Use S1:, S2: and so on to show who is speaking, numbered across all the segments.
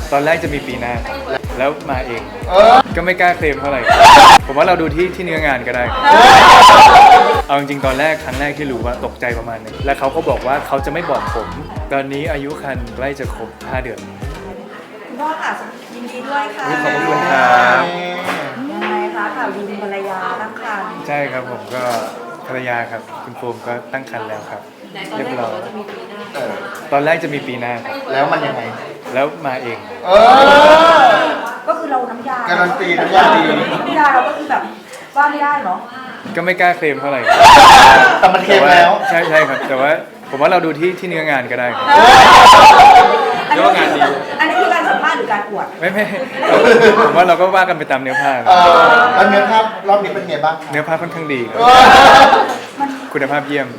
S1: ตอนแรกจะมีปีหน้าแล้วมาเองก็ไม่กล้าเคลมเท่าไหร่ผมว่าเราดูที่เนื้องานก็ได้เอาจริงๆตอนแรกครั้งแรกที่รู้ว่าตกใจประมาณนึงแล้วเขาก็บอกว่าเขาจะไม่บอกผมตอนนี้อายุครรภ์ใกล้จะครบ5 เดือน
S2: คุณพ่อค่ะยินดีด้วยค่ะ
S1: ขอบคุณครับ
S2: ยังไงคะข่าวดีมีภรรยาตั้งครรภ์
S1: ใช่ครับผมก็ภรรยาครับคุณโฟมก็ตั้งครรภ์แล้วครับเรียบร้อยตอนแรกจะมีปีหน้าครับ
S3: แล้วมันยังไง
S1: แล้วมาเอง
S2: ก็คือเราน้ำยา
S3: การันตีน้ำยาดี
S2: น้ำยาเราก็คือแบบว่าไม่ได้เนาะ
S1: ก็ไม่กล้าเคลมเท่าไหร่
S3: แต่มันเค็มแล้ว
S1: ใช่ครับแต่ว่าผมว่าเราดูที่เนื้องานก็ได้ครับ
S2: อันนี้งานดีอันนี้คือการสัมภาษณ์หรือการอวด
S1: ไม่ผมว่าเราก็ว่ากันไปตามเนื้อผ้า
S3: แล้วเนื้อภาพรอบนี้เป็นไงบ้าง
S1: เนื้อผ้าค่อนข้างดีครับคุณภาพเยี่ยม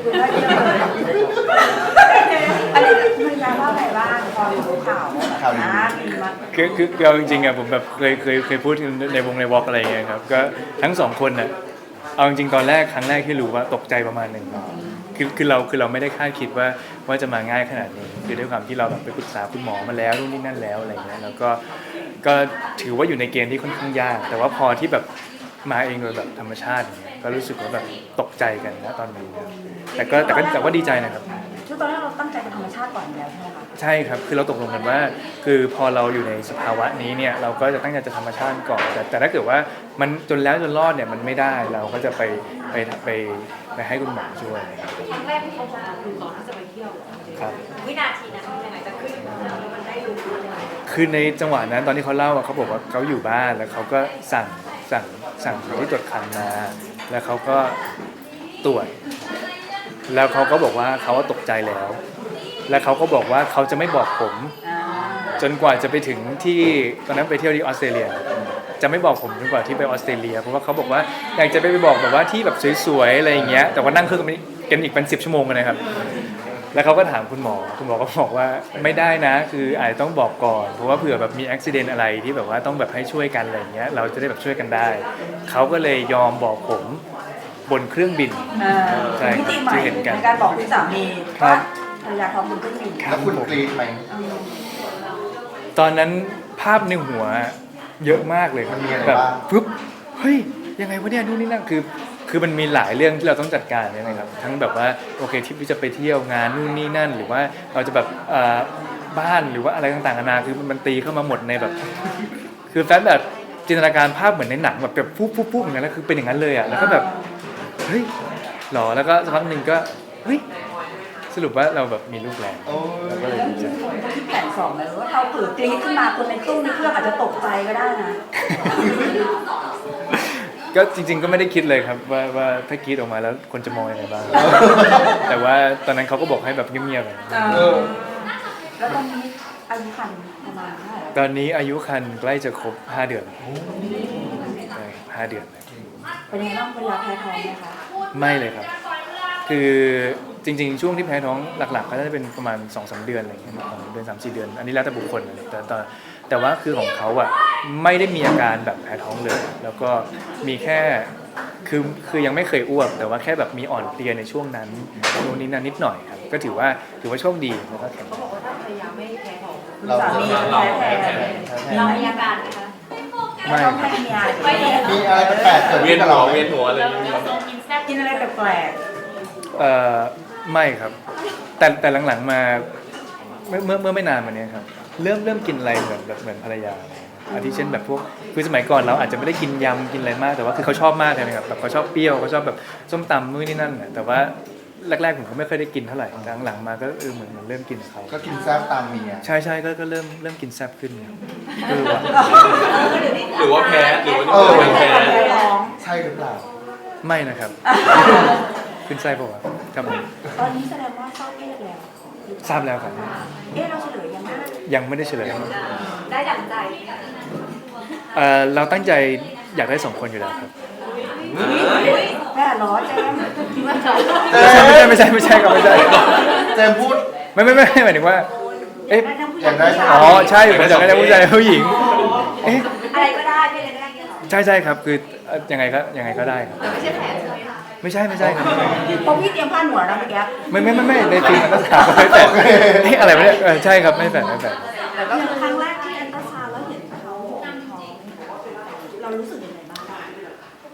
S2: อันนี้ภรรยาว่าอะไรบ้างพอรู้ข่าวนะมีมา
S1: คือเอาจริงๆอะผมแบบเคยพูดในวอล์กอะไรอย่างเงี้ยครับก็ทั้งสองคนน่ะเอาจริงๆตอนแรกครั้งแรกที่รู้ว่าตกใจประมาณนึงคือเราไม่ได้คาดคิดว่าจะมาง่ายขนาดนี้คือด้วยความที่เราแบบไปปรึกษาคุณหมอมาแล้วนู่นนี่นั่นแล้วอะไรเงี้ยแล้วก็ถือว่าอยู่ในเกณฑ์ที่ค่อนข้างยากแต่ว่าพอที่แบบมาเองโดยแบบธรรมชาติอย่างเงี้ยก็รู้สึกว่าแบบตกใจกันนะตอนนี้นะแต่ก็ดีใจนะครับ
S2: ช่วงตอนแรกเราตั้งใจเป็นธรรมชาติก่อนแล้วใช่ไหมคะ
S1: ใช่ครับคือเราตกลงกันว่าคือพอเราอยู่ในสภาวะนี้เนี่ยเราก็จะตั้งใจจะธรรมชาติก่อนแต่ถ้าเกิดว่ามันจนแล้วจนรอดเนี่ยมันไม่ได้เราก็จะไปให้คุณหมอช่วย
S4: ครั้งแรกที่เขาบอกคือก่อนที่จะไปเที่ยว
S1: ครับ
S4: วินาทีนั้นยังไงจะขึ้นมันได้รู้ยังไง
S1: คือในจังหวะนั้นตอนที่เขาเล่าเขาบอกว่าเขาอยู่บ้านแล้วเขาก็สั่งคนที่ตรวจคันมาแล้วเขาก็ตรวจแล้วเขาก็บอกว่าเขาตกใจแล้วแล้วเขาก็บอกว่าเขาจะไม่บอกผมจนกว่าจะไปถึงที่ตอนนั้นไปเที่ยวที่ออสเตรเลียจะไม่บอกผมจนกว่าที่ไปออสเตรเลียเพราะว่าเขาบอกว่าอยากจะไปบอกแบบว่าที่แบบสวยๆอะไรอย่างเงี้ยแต่ว่านั่งเครื่องกันอีกเป็น10 ชั่วโมงกันนะครับแล้วเขาก็ถามคุณหมอก็บอกว่าไม่ได้นะคืออาจจะต้องบอกก่อนเพราะว่าเผื่อแบบมีอุบิเหตุอะไรที่แบบว่าต้องแบบให้ช่วยกันอะไรอย่างเงี้ยเราจะได้แบบช่วยกันได้เขาก็เลยยอมบอกผมบนเครื่องบิน
S2: ใช่ที่เห็นกันในการบอกคุณสามีว่าภรรยาท้องบนเครื่องบิน
S3: แล้วคุณกรี๊ดไหม
S1: ตอนนั้นภาพในหัวเยอะมากเลยแบบปุ๊บเฮ้ยยังไงวะเนี่ยนู่นนี่นั่นคือมันมีหลายเรื่องที่เราต้องจัดการเนี่ยนะครับทั้งแบบว่าโอเคที่จะไปเที่ยวงานนู่นนี่นั่นหรือว่าเราจะแบบบ้านหรือว่าอะไรต่างๆนานาคือมันตีเข้ามาหมดในแบบคือแฟนแบบจินตนาการภาพเหมือนในหนังแบบปุ๊บอย่างนั้นแล้วคือเป็นอย่างนั้นเลยอ่ะแล้วก็แบบเฮ้ยหรอแล้วก็สักพักหนึ่งก็เฮ้ยสรุปว่าเราแบบมีลูกแล้วแล้วก็เลยดีใจ
S2: คนก็คิดแผนสองเลยว่าเราเปิดกรี๊ดขึ้นมาคนในตู้ในเครื่องอาจจะตกใจก็ได้นะ
S1: ก็จริงๆก็ไม่ได้คิดเลยครับว่าถ้ากรี๊ดออกมาแล้วคนจะมองยังไงบ้างแต่ว่าตอนนั้นเขาก็บอกให้แบบเงียบๆ
S2: แล้วตอนนี้อายุครรภ์ประมาณเท่าไหร่
S1: ตอนนี้อายุครรภ์ใกล้จะครบ5 เดือนใช่5 เดือน
S2: เป็นยังไงบ้างเวลาแพ้ท้องไหมคะ
S1: ไม่เลยครับคือจริงๆช่วงที่แพ้ท้องหลักๆก็จะเป็นประมาณ 2-3 เดือนอะไรอย่างเงี้ย2 เดือน 3-4 เดือนอันนี้แล้วแต่บุคคลเลยแต่ว่าคือของเขาอะไม่ได้มีอาการแบบแพ้ท้องเลยแล้วก็มีแค่คือยังไม่เคยอ้วกแต่ว่าแค่แบบมีอ่อนเพลียในช่วงนั้นช่วงนี้นิดหน่อยครับก็ถือว่าโชคดีแล้วก็แข็ง
S4: เขาบอกว่าถ้าภรรยาไม่แพ้ท้อง
S2: สามีแพ้
S4: เรามีอาการไหมคะ
S1: ไม่
S3: มีอะไรแปลกๆเกิดขึ้นกับเรา
S5: เวียนหัวอะไร
S2: กินอะไรแปลก
S1: ไม่ครับแต่หลังๆมาเมื่อไม่นานมานี้ครับเริ่มกินอะไรเหมือนภรรยาอาทิเช่นแบบพวกคือสมัยก่อนเราอาจจะไม่ได้กินยำกินอะไรมากแต่ว่าคือเขาชอบมากเลยนะครับแบบเขาชอบเปรี้ยวเขาชอบแบบส้มตำนู่นนี่นั่นแต่ว่าแรกๆผมก็ไม่เคยได้กินเท่าไหร่หลังๆมาก็เหมือนเริ่มกินเขา
S3: ก็กินแซ่บตามเมีย
S1: ใช่ก็เริ่มกินแซ่บขึ้นว่ะ
S5: หรือว่าแพ้หรือว่าแพ้
S3: ใช่หรือเปล่า
S1: ไม่นะครับขึ้นไส้ป่ะครับผม
S2: ตอนนี้แสดงว่าทราบเพศแล้ว
S1: ทราบแล้วครับ
S2: เราเฉลย
S1: ยังไม่ได้เฉลย
S4: ได้ดั่งใจ
S1: เราตั้งใจอยากได้2 คนอยู่แล้วครับ
S2: แม่ล้อแจม
S1: ไม่ใช่ครับไม่ใช่
S3: เจมพูด
S1: ไม่หมายถึงว่า
S3: อยากได้
S1: ใช่ผมอยากได้ผู้ชายผู้หญิง
S4: อะไรก็ได้ไม่เลยได้
S1: ใช่ครับคือยังไงก็ได้ครับ
S4: ไม่ใช่แผนใช่ไหมคะ
S1: ไม่ใช่ครับ
S2: เพราะพี่เตรียมผ้าหนวดนะเมื่อกี้
S1: ไม่ในทีมมันต้องถามไม่แฝงอะไรไม่ได้ใช่ครับไม่แฝง
S2: แต่ก็คือครั้งแรกที่แอนก็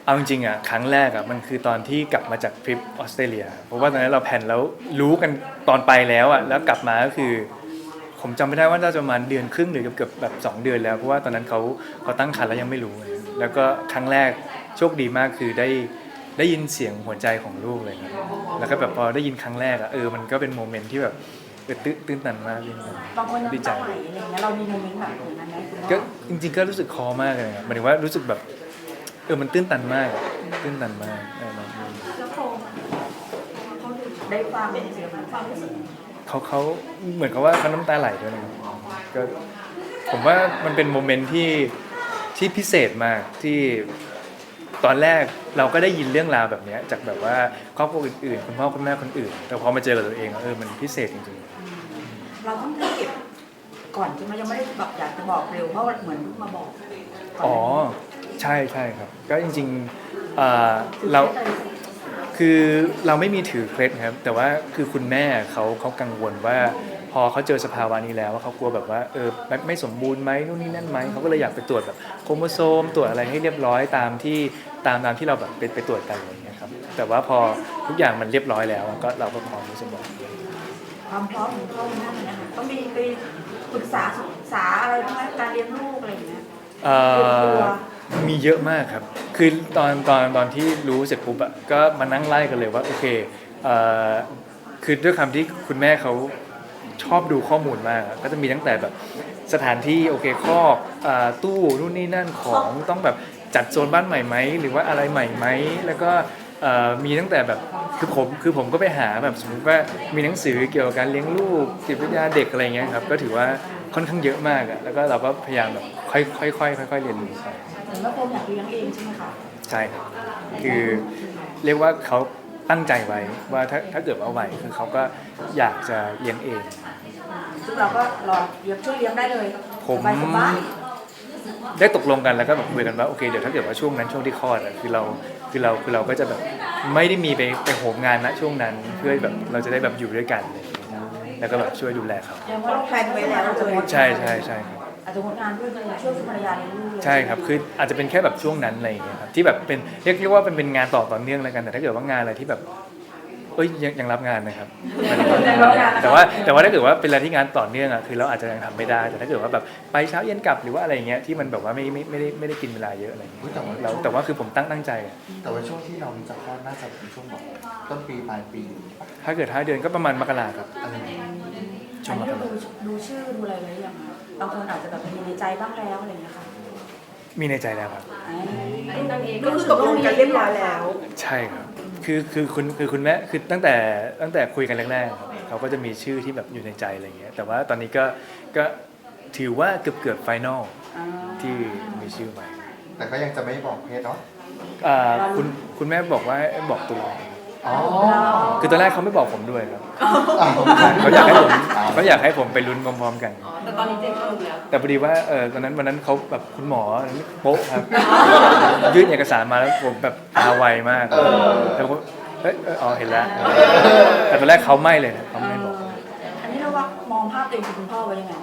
S1: เอาจริงๆอ่ะครั้งแรกอ่ะมันคือตอนที่กลับมาจากทริปออสเตรเลียเพราะว่าตอนนั้นเราแผนแล้วรู้กันตอนไปแล้วอ่ะแล้วกลับมาก็คือผมจำไม่ได้ว่าน่าจะประมาณเดือนครึ่งหรือเกือบแบบ2 เดือนแล้วเพราะว่าตอนนั้นเขาตั้งครรภ์แล้วยังไม่รู้เลยแล้วก็ครั้งแรกโชคดีมากคือได้ยินเสียงหัวใจของลูกเลยนะแล้วก็แบบพอได้ยินครั้งแรกอ่ะมันก็เป็นโมเมนต์ที่แบบตื้นตันมากเลย
S2: บางคน
S1: ดี
S2: น้ำ
S1: ใจ
S2: ตาไหลอะไรอย่างเงี้ยเรามีโมเมนต์แบบนั้นไหมคุณพ่อ
S1: ก็จริงๆก็รู้สึกคอมากเลยครับหมายถึงว่ารู้สึกแบบมันตื้นตันมากตื้นตันมากน้อง
S4: แล้วโฟมเขาดู
S2: ได้ฟังเสียงมันฟังรู้สึก
S1: เขาเหมือนกับว่าเขาน้ำตาไหลด้วยนะครับก็ผมว่ามันเป็นโมเมนต์ที่พิเศษมากที่ตอนแรกเราก็ได้ยินเรื่องราวแบบนี้จากแบบว่าครอบครัวอื่นๆคุณพ่อคุณแม่คนอื่นแต่พอมาเจอกับตัวเองมันพิเศษจริงๆ
S2: เราต้องเก็บก่อนใช่ไหมยังไม่ได้แบบอยากจะบอกเร็วเพราะเหมือนมาบอกก่น
S1: อ๋อใช่ครับก็จริงๆเราคือเราไม่มีถือเคล็ดครับแต่ว่าคือคุณแม่เขากังวลว่าพอเขาเจอสภาวะนี้แล้วเขากลัวแบบว่าไม่สมบูรณ์ไหมนู่นนี่นั่นไหมเขาก็เลยอยากไปตรวจแบบโครโมโซมตรวจอะไรให้เรียบร้อยตามที่เราแบบไปตรวจกันอะไรอย่างเงี้ยครับแต่ว่าพอทุกอย่างมันเรียบร้อยแล้วก็เราก็พร้อมที่จะบอก
S2: ความพร้อมของพ่อคุณแม่นะคะต้องมีไปปรึกษาศึกษาอะไรบ้างไหมการเลี้ยงลูกอะไรอย่างเงี้ย
S1: มีเยอะมากครับคือตอนที่รู้เสร็จปุ๊บอะก็มานั่งไล่กันเลยว่าโอเคคือด้วยคำที่คุณแม่เขาชอบดูข้อมูลมากก็จะมีตั้งแต่แบบสถานที่โอเคคอกตู้นู่นนี่นั่นของต้องแบบจัดโซนบ้านใหม่ไหมหรือว่าอะไรใหม่ไหมแล้วก็มีตั้งแต่แบบคือผมก็ไปหาแบบสมมติว่ามีหนังสือเกี่ยวกับการเลี้ยงลูกจิตวิทยาเด็กอะไรเงี้ยครับก็ถือว่าค่อนข้างเยอะมากอะแล้วก็เราก็พยายามแบบค่อยๆเรียนรู้ไป
S2: เหมือนว่าโฟมอยากเลี้ยงเองใช่ไหมคะ
S1: ใช่ครับคือเรียกว่าเขาตั้งใจไว้ว่าถ้าเกิดว่าไหวคือเขาก็อยากจะเลี้ยงเอง
S2: ซึ่งเราก็รอเลี้ยงช่วยเลี้ยงได้เลย
S1: ผม
S2: สบาย
S1: ได้ตกลงกันแล้วก็แบบคุยกันว่าโอเคเดี๋ยวถ้าเกิดว่าช่วงนั้นช่วงที่คลอดอะคือเราก็จะแบบไม่ได้มีไปโหมงานณช่วงนั้นเพื่อแบบเราจะได้แบบอยู่ด้วยกันเลยแล้วก็แบบช่วยดูแลเขา
S2: ๆยังว่าเราแพลนไว้แล้วเลย
S1: ใช่ครับ
S2: อาจจะงดงานเพื่อช่วยคุณภรรยาเลี้ยงลูกเลย
S1: ใช่ครับคืออาจจะเป็นแค่แบบช่วงนั้นอะไรอย่างเงี้ยครับที่แบบเป็นเรียกว่าเป็นงานต่อเนื่องแล้วกันแต่ถ้าเกิดว่างานอะไรที่แบบยังรับงานนะครับแต่ว่าถ้าเกิดว่าเป็นอะไรที่งานต่อเนื่องอ่ะคือเราอาจจะยังทำไม่ได้แต่ถ้าเกิดว่าแบบไปเช้าเย็นกลับหรือว่าอะไรอย่างเงี้ยที่มันแบบว่าไม่ได้กินเวลาเยอะอะไรอย่างเงี้ยแต่ว่าคือผมตั้งใจอะ
S3: แต่ว่าช่วงที่น้องจะคลอดน่าจะเป็นช่วงแบบต้นปีปลายปี
S1: ถ้าเกิด5 เดือนก็ประมาณมกราครับ
S3: อะไรอย่างเงี้ย
S1: ช่ว
S2: อั
S1: ง
S2: น
S1: ม
S2: นี้
S1: ก
S2: ก็
S1: รา
S2: ดูชื่อดูอะไรไว้ยังคะบางคนอาจจะแบบมีในใจบ้างแล้วอะไรอย่างเงี้ยค่ะ
S1: มีในใจแล้วครับ
S2: ก็คือตกลงกันเรียบร้อยแล้ว
S1: ใช่ครับคือคุณแม่คือตั้งแต่คุยกันแรกๆครับเขาก็จะมีชื่อที่แบบอยู่ในใจอะไรอย่างเงี้ยแต่ว่าตอนนี้ก็ถือว่าเกือบไฟนอลที่มีชื่อไว้
S3: แต่ก็ยังจะไม่บอกเพศเนาะ
S1: คุณแม่บอกว่าบอกตัว
S3: อ๋อ
S1: คือตอนแรกเขาไม่บอกผมด้วยครับ
S3: อ้าว
S1: เขาอยากให้ผมไปลุ้นพร้อมๆกัน
S4: แต่ตอนนี้เจ๊ก็รู้แล้ว
S1: แต่พอดีว่าวันนั้นเขาแบบคุณหมอโป๊ะครับ ยื่นเอกสารมาแล้วผมแบบตาไวมากแล้วผมเห็นแล้วแต่ตอนแรกเขาไม่เลยนะเขาไม่บอก
S2: อันนี้เราว่ามองภาพตัวเองคุณพ่อไว้ยังไง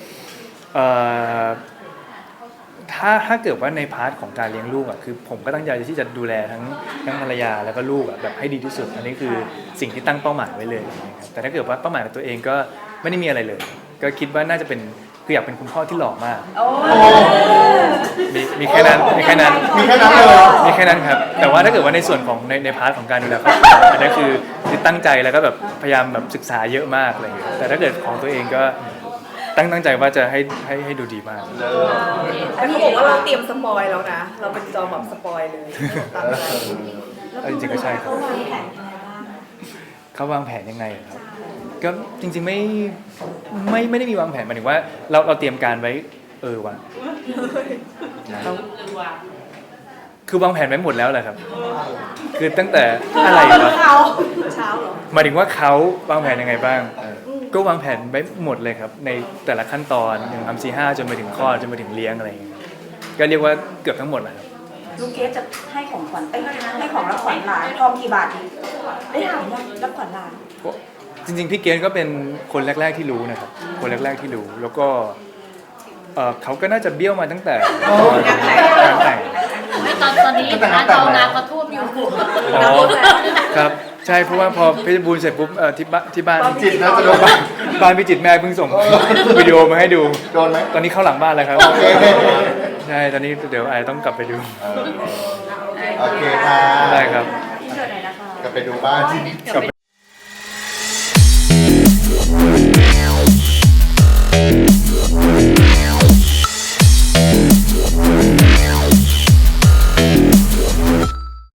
S1: ถ้าเกิดว่าในพาร์ทของการเลี้ยงลูกอ่ะคือผมก็ตั้งใจที่จะดูแลทั้งภรรยาแล้วก็ลูกอ่ะแบบให้ดีที่สุดอันนี้คือสิ่งที่ตั้งเป้าหมายไว้เลยนะครับแต่ถ้าเกิดว่าเป้าหมายของตัวเองก็ไม่ได้มีอะไรเลย ก็คิดว่าน่าจะเป็นคืออยากเป็นคุณพ่อที่หล่อมาก
S2: โอ้
S1: มีแค่นั้นมีแค่นั้น
S3: มีแค่นั้นเลย
S1: มีแค่นั้นครับแต่ว่าถ้าเกิดว่าในส่วนของในพาร์ทของการดูแลครอบครัวอันนี้คือตั้งใจแล้วก็แบบพยายามแบบศึกษาเยอะมากอะไรอย่างเงี้ยแต่ถ้าเกิดของตัวเองก็ตั้งใจว่าจะให้ดูดีมาก
S6: แต่เขาบอกว่าเราเตรียมสปอยแล้วนะ เราเป็นจอแบบสปอยเลยตามใจ
S1: จริงๆก็ใช่ครับ
S2: เขาวางแผนยังไงบ้าง
S1: เขาวางแผนยังไงครับก็จริงๆไม่ได้มีวางแผนหมายถึงว่าเราเตรียมการไว้ว่ะคือวางแผนไว้หมดแล้วแหละครับ คือตั้งแต่อะไรวะ
S6: เช้าเหรอ
S1: หมายถึงว่าเขาวางแผนยังไงบ้างก็วางแผนไว้หมดเลยครับในแต่ละขั้นตอน1 3 4 5จนไปถึงคลอดจนไปถึงเลี้ยงอะไรอย่างเงี้ยก็เรียกว่าเกือบทั้งหมดแหละครับ
S2: ลูกเกสจะให้ของขวัญให้ของรับขวัญหลานทองกี่บาทดีได้ถามยังรับขวัญหลาน
S1: จริงๆพี่เกณฑ์ก็เป็นคนแรกๆที่รู้นะครับคนแรกๆที่รู้แล้วก็เขาก็น่าจะเบี้ยวมาตั้งแต่ตอนงานแต่ง
S7: ตอนนี้ร้านทองน้ำก็ท่วมอยู่
S1: อ๋อครับใช่เพราะว่าพอเพชรบูรณ์เสร็จปุ๊บที่บ้าน
S3: จิตนะจะโดน
S1: บ้านพิจิตรแม่เพิ่งส่งวิดีโอมาให้ดู
S3: โดนไหม
S1: ตอนนี้เข้าหลังบ้านแล้วครับ
S3: โอเค
S1: ใช่ตอนนี้เดี๋ยวไอต้องกลับไปดู
S3: โอเคค่ะ
S1: ได้ครับ
S2: ที่เกิดไหนนะคะ
S3: กลับไปดูบ้าน
S1: กลับไป